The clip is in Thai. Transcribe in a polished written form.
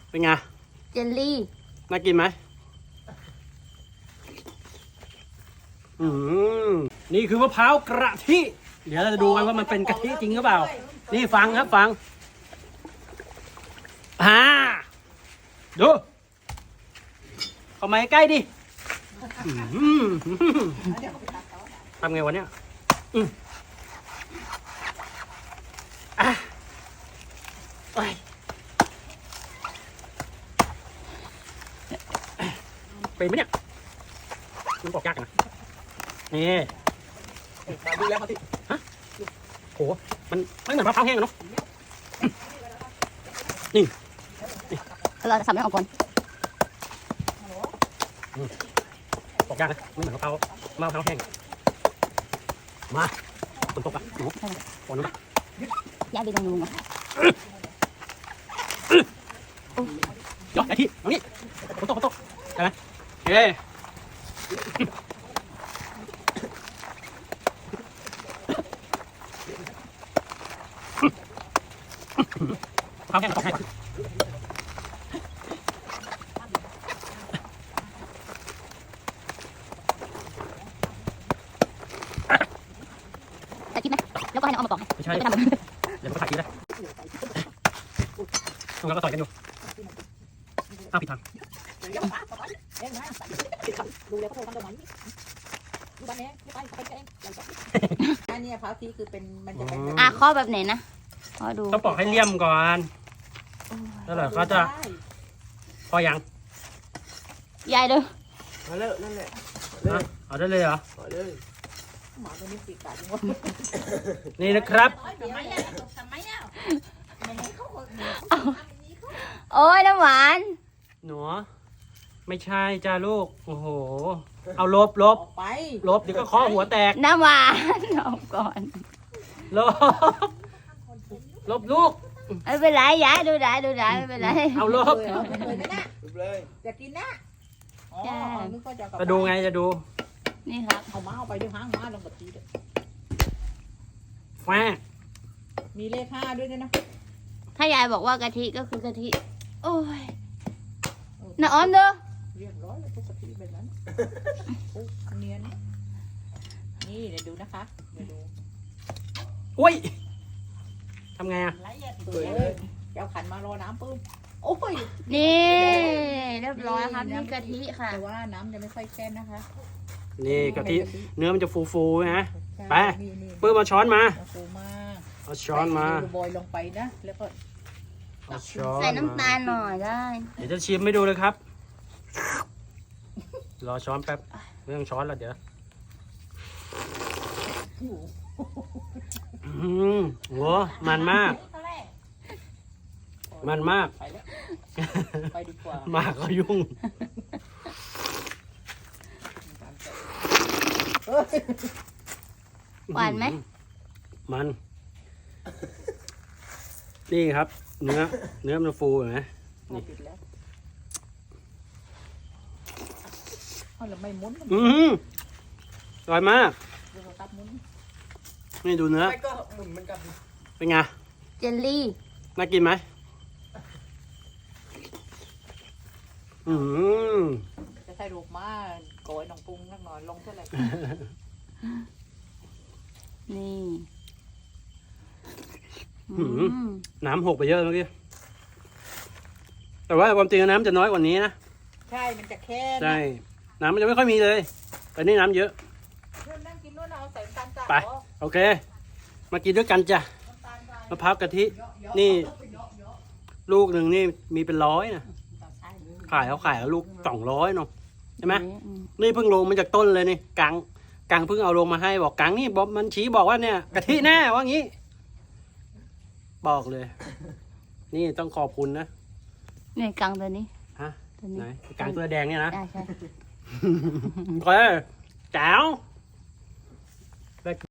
เป็นไงเจลลี่น่ากินไหมนี่คือมะพร้าวกระทิเดี๋ยวเราจะดูกันว่ามันเป็นกะทิจริงหรือเปล่านี่ฟังครับฟังดูเข้ามาใกล้ดิทำไงวะเนี่ยเป็นไหมเนี่ยมันปอกยากนะนี่ดูแล้วครับพี่ฮะโหมันไม่เหมือนมะพร้าวแห้งเนาะนี่เราจะสับให้ออกก่อนปอกยากนะไม่เหมือนมะพร้าวแห้งมาฝนตกอ่ะหนูฝนนะย้ายไปตรงนู้นก่อนยอดไอ้ที่ตรงนี้ฝนตกใช่ไหมเฮ้ข้าวแห้งตกให้จะคิดไหมแล้วก็ให้น้องเอามาปอกไม่ใช่เดี๋ยวมันก็ถ่ายทีได้ตรงนั้นก็ต่อยกันอยู่ผิดทางอันนี้พร้าวที่คือเป็นมันจะเป็นข้อแบบไหนนะขอดูต้องปอกให้เลี่ยมก่อนแล้วเหรอเขาจะพอยังยายดูมาเลยนั่นแหละเอาได้เลยเหรอหมาตัวนี้ปีกกัดนี่นะครับโอ้ยน้ำหวานหนูไม่ใช่จ้าลูกโอ้โหเอาลบไปเดี๋ยวก็ข้อหัวแตกน้ำหวานเอาก่อนลบลูกไม่เป็นไรยายดูได้ไม่เป็นไรเอาลบเลยจะกินนะจะดูไงจะดูนี่ครับเอาม้าเอาไปด้วยหางม้าลงกับทีเด็ดแฝงมีเลข5ด้วยนะถ้ายายบอกว่ากะทิก็คือกะทิโอ้ยน้าอ้อมเด้อเรียบร้อยแล้วทุกกะทิแบบนั้นเนียนนี่เดี๋ยวดูนะคะเดี๋ยวดูอุ้ยทำไงอ่ะเจ้าขันมารอน้ำปื้มโอ้ยนี่เรียบร้อยครับนี่กะทิค่ะแต่ว่าน้ำจะไม่ค่อยแค่นนะคะนี่กะทิเนื้อมันจะฟูนะไปปื้มมาช้อนมาเอาช้อนมาบอยลงไปนะแล้วก็ใส่น้ำตาลหน่อยได้เดี๋ยวจะชิมให้ดูเลยครับรอช้อนแป๊บไม่ต้องช้อนแล้วเดี๋ยวหัวมันมากไปดีกว่ามากก็ยุ่งหวานไหมมันนี่ครับเนื้อมันฟูเห็นไหมนี่เราไม่มุนอร่อยมากนี่ดูเนื้อเป็นไงเจลลี่น่ากินไหมจะใส่รูปมาโกยน้องปรุงนักหน่อยลงเท่าไหร่นี่น้ำหกไปเยอะเมื่อกี้แต่ว่าความจริงน้ำจะน้อยกว่านี้นะใช่มันจะแค่ใช่น้ำมันจะไม่ค่อยมีเลยแต่นี่น้ำเยอะไปโอเคมากินด้วยกันจ้ะมะพร้าวกะทินี่ลูกหนึ่งนี่มีเป็น100นะขายแล้วลูก200เนาะใช่ไหมนี่เพิ่งลงมาจากต้นเลยนี่กังเพิ่งเอาลงมาให้บอกกังนี่บอกมันชี้บอกว่าเนี่ยกะทิแน่ว่างี้บอกเลยนี่ต้องขอบคุณนะนี่กังตัวนี้ฮะไหนกังตัวแดงเนี่ยนะใช่โอเคแจ๋ว